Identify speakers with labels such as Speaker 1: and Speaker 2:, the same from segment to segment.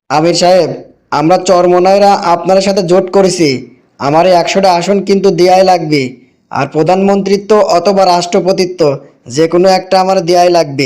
Speaker 1: আমির সাহেব, আমরা চরমনাইরা আপনার সাথে জোট করেছি। আমার এই 100টা আসন কিন্তু দেয়াই লাগবে। আর প্রধানমন্ত্রিত্ব অথবা রাষ্ট্রপতিত্ব যে কোনো একটা আমার দেয়াই লাগবে।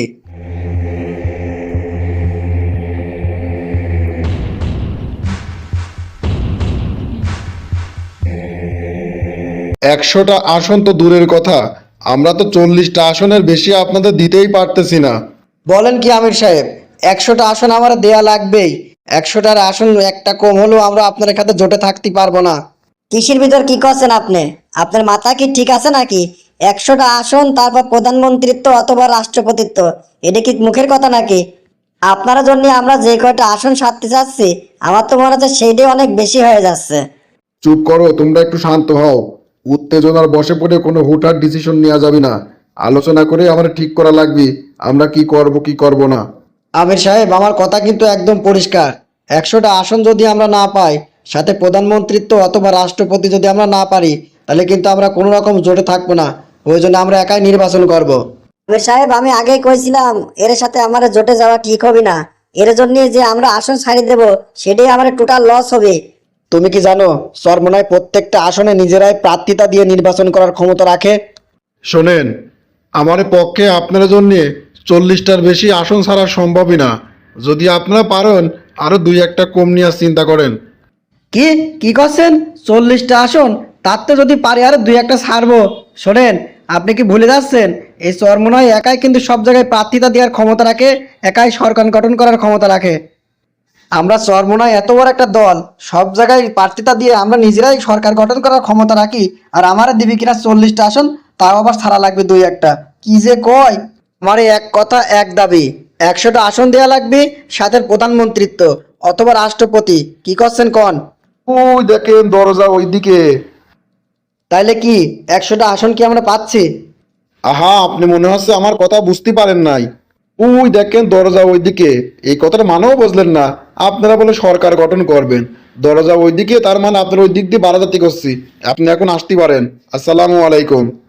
Speaker 2: 100টা আসন তো দূরের কথা, আমরা তো 40টা আসনের বেশি আপনাদের দিতেই পারতেছি না।
Speaker 1: বলেন কি আমির সাহেব, 100টা আসন আমার দেয়া লাগবেই। 100টার আসন একটা কম হলেও আমরা আপনার সাথে জোটে থাকতে পারবো না।
Speaker 3: কিসের ভিতর কি করছেন আপনি? আপনার মাথা কি ঠিক আছে নাকি? 100টা আসন, তারপর প্রধানমন্ত্রিত্ব অথবা রাষ্ট্রপতিত্ব, এটা কি মুখের কথা নাকি? আপনারা জন্য আমরা যে কয়টা আসন সারতে চাচ্ছি, আমার তো মনে হচ্ছে সেইটাই অনেক বেশি হয়ে যাচ্ছে।
Speaker 2: চুপ করো, তোমরা একটু শান্ত হও। উত্তেজনার বশে পড়ে কোনো হুটহাট ডিসিশন নেওয়া যাবে না। আলোচনা করে আমার ঠিক করা লাগবে আমরা কি করব কি করব না।
Speaker 1: আমির সাহেব, আমার কথা কিন্তু একদম পরিষ্কার। 100টা আসন যদি আমরা না পাই, সাথে প্রধানমন্ত্রিত্ব অথবা রাষ্ট্রপতি যদি আমরা না পারি, তাহলে কিন্তু আমরা কোনো রকম জোটে থাকবো না। ওই জন্য আমরা একাই নির্বাচন করব।
Speaker 3: আমির সাহেব, আমি আগেই কইছিলাম এর সাথে আমার জোটে যাওয়া ঠিক হবে না। এর জন্য যে আমরা আসন ছাড়ি দেব, সেটাই আমার টোটাল লস হবে।
Speaker 1: তুমি কি জানো চরমোনাই প্রত্যেকটা আসনে নিজেরাই প্রার্থিতা দিয়ে নির্বাচন করার ক্ষমতা রাখে?
Speaker 2: শোনেন, আমার পক্ষে আপনার জন্যে 40টার বেশি আসন ছাড়া সম্ভবই না। যদি আপনারা পারেন আরো দুই একটা কম নেওয়ার চিন্তা করেন।
Speaker 1: কি কি করছেন? 40টা আসন? তাতে যদি পারি আর দুই একটা ছাড়বো। শোনেন, আপনি কি ভুলে যাচ্ছেন এই চরমোনাই একাই কিন্তু সব জায়গায় প্রার্থিতা দেওয়ার ক্ষমতা রাখে, একাই সরকার গঠন করার ক্ষমতা রাখে। আমরা চরমোনাই এত বড় একটা দল, সব জায়গায় প্রার্থিতা দিয়ে আমরা নিজেরাই সরকার গঠন করার ক্ষমতা রাখি। আর আমার দিবি কিনা 40টা আসন, তাও আবার ছাড়া লাগবে দুই একটা। কি যে কয়! আমার এই এক কথা এক দাবি, 100টা আসন দেয়া লাগবে, সাথে প্রধানমন্ত্রিত্ব অথবা রাষ্ট্রপতি। কি করছেন কন?
Speaker 2: ওই দেখেন দরজা ওইদিকে।
Speaker 1: তাইলে কি 100টা আসন কি আমরা পাচ্ছি?
Speaker 2: আহা, আপনি মনে হচ্ছে আমার কথা বুঝতে পারেন নাই। ওই দেখেন দরজা ওইদিকে। এই কথাটা মানেও বুঝলেন না? আপনারা বলে সরকার গঠন করবেন, দরজা ওইদিকে, তার মানে আপনার ওই দিক দিয়ে বারাদাতি করছি। আপনি এখন আসতে পারেন। আসসালামু আলাইকুম।